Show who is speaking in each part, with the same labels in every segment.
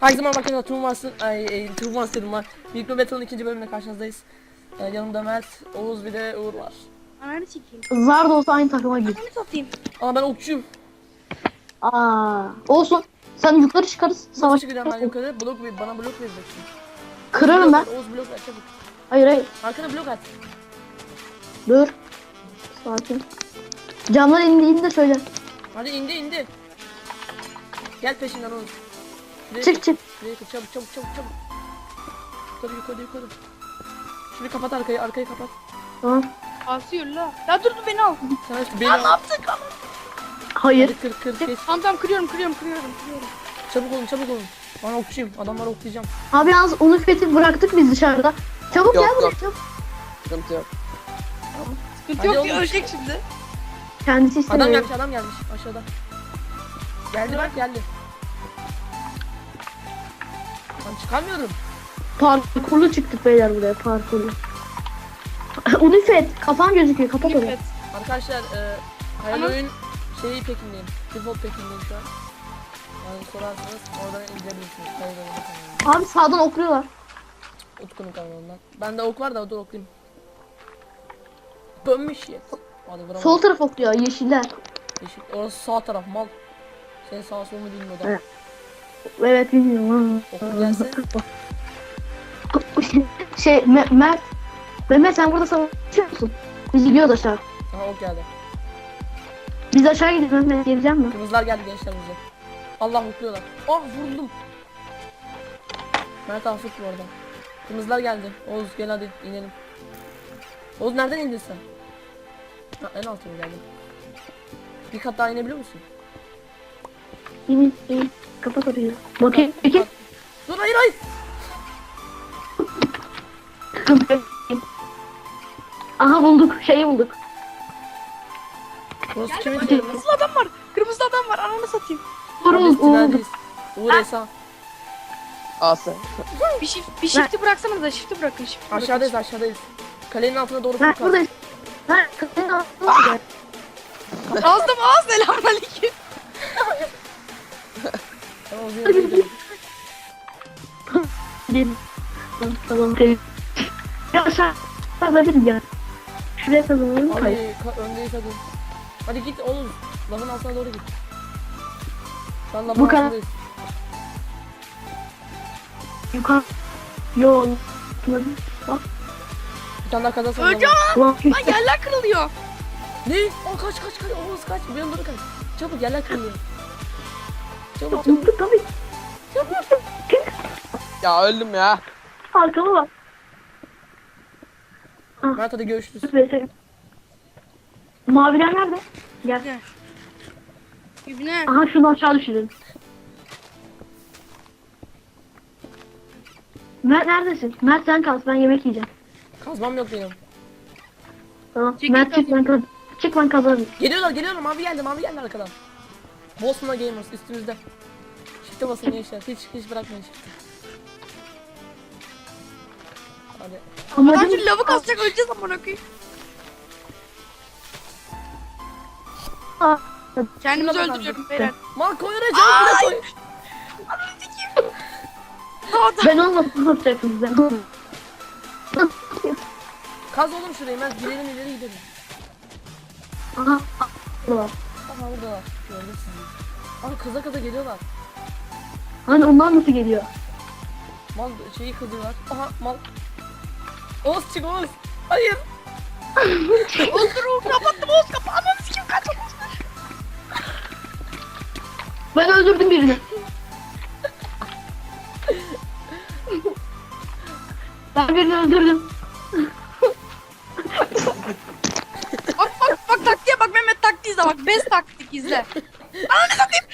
Speaker 1: Herkese merhaba arkadaşlar, Turnuvans'ın dedim lan. Mikro Battle'ın ikinci bölümüne karşınızdayız. Yanımda Mert, Oğuz bir de Uğur var.
Speaker 2: Ananı çekeyim.
Speaker 3: Zar da olsa aynı takıma gir.
Speaker 2: Ananı satayım.
Speaker 1: Ama ben okçuyum.
Speaker 3: Olsun. Sen yukarı çıkarız.
Speaker 1: Nasıl
Speaker 3: Savaş.
Speaker 1: çıkacağım ben yukarı? Bana blok vereceksin.
Speaker 3: Kırarım ben.
Speaker 1: Oğuz blok ver çabuk.
Speaker 3: Hayır.
Speaker 1: Arkana blok at.
Speaker 3: Dur. Sakin. Camlar indiğini de söyle.
Speaker 1: Hadi indi. Gel peşinden Oğuz. Şuraya
Speaker 3: Çık
Speaker 1: kır,
Speaker 3: çık.
Speaker 1: Şuraya kır, çabuk. Yukarı. Şunu kapat arkayı kapat.
Speaker 3: Tamam.
Speaker 2: Asıyor la. Ya dur beni al.
Speaker 1: Sen işte beni
Speaker 2: Ya ne
Speaker 1: al.
Speaker 2: yaptık ama?
Speaker 3: Hayır.
Speaker 1: Hadi kır kes.
Speaker 2: Tamam kırıyorum.
Speaker 1: Çabuk olun. Ben okçuyum. Adamları oklayacağım.
Speaker 3: Abi yalnız onu fethi bıraktık biz dışarıda. Çabuk
Speaker 4: Yok,
Speaker 3: gel buraya.
Speaker 4: yok.
Speaker 3: Çabuk.
Speaker 4: Sıkıntı yok.
Speaker 2: Sıkıntı
Speaker 1: Hadi
Speaker 2: yok
Speaker 1: oğlum.
Speaker 2: ya ölecek şimdi.
Speaker 3: Kendisi istemiyor.
Speaker 1: Adam gelmiş aşağıda. Geldi. Ben çıkamıyorum.
Speaker 3: Parkurlu çıktık beyler buraya parkurlu. Unifet kafan gözüküyor kapat onu.
Speaker 2: Evet.
Speaker 1: Arkadaşlar hayal
Speaker 2: Ama-
Speaker 1: oyun pekindeyim. Default pekindeyim şu an. Yani sorarsanız oradan izleyebilirsiniz. Hayal oyun kanalında.
Speaker 3: Abi sağdan okluyorlar.
Speaker 1: Utku'nun kanalından. Bende ok var da dur oklayayım. Bönmüş ya. Hadi vuramadım.
Speaker 3: Sol taraf okluyor yeşiller.
Speaker 1: Yeşil. Orası sağ taraf mal. Senin sağ solunu bilmiyor da.
Speaker 3: Evet. Evet bilmiyorum.
Speaker 1: Oku gelse.
Speaker 3: Mert. Mehmet sen burada savaşıyor musun? Biz gidiyoruz aşağı.
Speaker 1: Aha ok geldi.
Speaker 3: Biz aşağı gidiyoruz Mehmet geleceğim mi?
Speaker 1: Kırmızılar geldi gençler bize. Allah okluyorlar. Ah vuruldum. Mert affet bu arada. Kırmızılar geldi. Oğuz gel hadi inelim. Oğuz nereden indin sen? Ha, en altına geldim. Bir kat daha inebiliyor musun?
Speaker 3: İn. Kapat orayı. Bakayım. Peki.
Speaker 1: Dur hayır.
Speaker 3: Aha bulduk. Şeyi bulduk.
Speaker 1: Burası kimin yeri?
Speaker 2: Kırmızı adam var. Ananı satayım.
Speaker 1: Biz
Speaker 3: Uğur.
Speaker 1: tüneldeyiz. Uğur Esa.
Speaker 4: Al sen.
Speaker 2: Bir shift'i bıraksanız da shift'i bırakın.
Speaker 1: Aşağıdayız. Kalenin altına doğru
Speaker 3: Mert
Speaker 1: fırka.
Speaker 3: buradayız. Mert kapının altına.
Speaker 2: Ağzım ağız selamünaleyküm.
Speaker 1: Tamam yürü gidelim.
Speaker 3: Tamam. Ya aşağı kazabiliriz ya. Şuraya kazanalım mı? Hayır.
Speaker 1: Hadi öndeyiz hadi. Hadi git oğlum. Lavın altına doğru git. Şu an
Speaker 3: Bu
Speaker 1: lavın
Speaker 3: kadar.
Speaker 1: altındayız.
Speaker 3: Yukarı. Yol. Bak.
Speaker 1: Bir tane daha kazansan.
Speaker 2: Öleceğim
Speaker 3: Ulan.
Speaker 2: lan yerler kırılıyor.
Speaker 1: Ne? O kaç. Oğuz kaç. Bir yandan kaç. Çabuk yerler kırılıyor. Çabuk.
Speaker 3: Unuttuk tabii.
Speaker 4: Ya öldüm ya.
Speaker 3: Arkama bak.
Speaker 1: Mert hadi görüşürüz.
Speaker 3: Maviler nerede? Gel.
Speaker 2: Yüzüne.
Speaker 3: Aha şunu aşağı düşürelim. Mert neredesin? Mert sen kal, ben yemek yiyeceğim.
Speaker 1: Kazmam yok benim.
Speaker 3: Tamam.
Speaker 2: Çekil
Speaker 3: Mert çık ben kazanırım. Çık ben kazanırım.
Speaker 1: Geliyorlar. Mavi geldi arkadan. Boston'a Gamers üstümüzde. Shift'e basın gençler. Hiç bırakmayın shift'i. Hadi.
Speaker 2: Adam
Speaker 3: Amacım
Speaker 2: şimdi lavı kasacak öleceğiz amına koyayım.
Speaker 3: Aa,
Speaker 2: Kendimizi
Speaker 1: Şuna bak
Speaker 2: öldürüyorum beyler.
Speaker 1: Mal koy oraya canım koy.
Speaker 3: ben olmasın ne yapacaksın bize?
Speaker 1: Kaz oğlum şurayı ben gidelim ileri gidelim.
Speaker 3: Aha. Burada.
Speaker 1: Aha orada. Gördüm sizi. Aha kaza geliyorlar.
Speaker 3: Hani onlar nasıl geliyor?
Speaker 1: Mal şeyi kazıyorlar. Aha mal. Oğuz çık Oğuz. Hayır.
Speaker 2: Oğuz kapattım Oğuz kapağı. Ananı sikim kaç.
Speaker 3: Ben öldürdüm birini. Ben birini öldürdüm.
Speaker 2: Bak taktiğe bak Mehmet taktiği izle bak. Best taktik izle. Ananı satayım.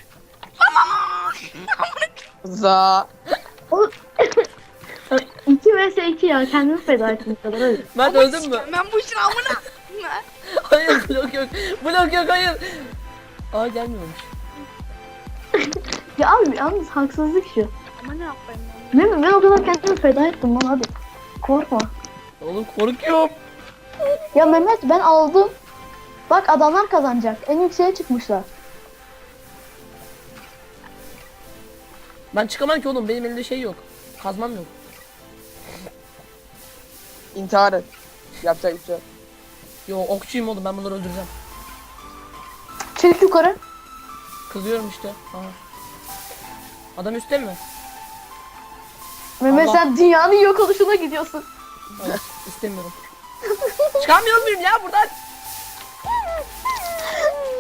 Speaker 4: Za.
Speaker 3: O 2 vs 2 ya kendimi feda ettim kadar öyle.
Speaker 1: Mert öldün mü?
Speaker 2: Ben bu işin amına.
Speaker 1: Hayır blok yok. Blok yok hayır. Aa gelmiyormuş.
Speaker 3: Ya abi yalnız haksızlık şu.
Speaker 2: Ama ne yapayım ben?
Speaker 3: Ne mi? Ben o kadar kendimi feda ettim lan hadi. Korkma.
Speaker 1: Oğlum korkuyorum.
Speaker 3: Ya Mehmet ben aldım. Bak adamlar kazanacak. En yükseğe çıkmışlar.
Speaker 1: Ben çıkamam ki oğlum. Benim elimde şey yok. Kazmam yok.
Speaker 4: İntihar et. Yapacak bir şey yok.
Speaker 1: Yo okçuyum oğlum. Ben bunları öldüreceğim.
Speaker 3: Çek yukarı.
Speaker 1: Kızıyorum işte. Aha. Adam üstte mi?
Speaker 3: Mehmet
Speaker 1: Allah.
Speaker 3: sen dünyanın yok oluşuna gidiyorsun.
Speaker 1: Evet. istemiyorum. Çıkamıyor muyum ya buradan?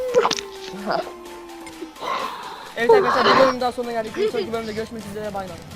Speaker 1: Evet arkadaşlar bir bölüm daha sonuna geldik. Bir sonraki bölümde görüşmek üzere. Bay bay.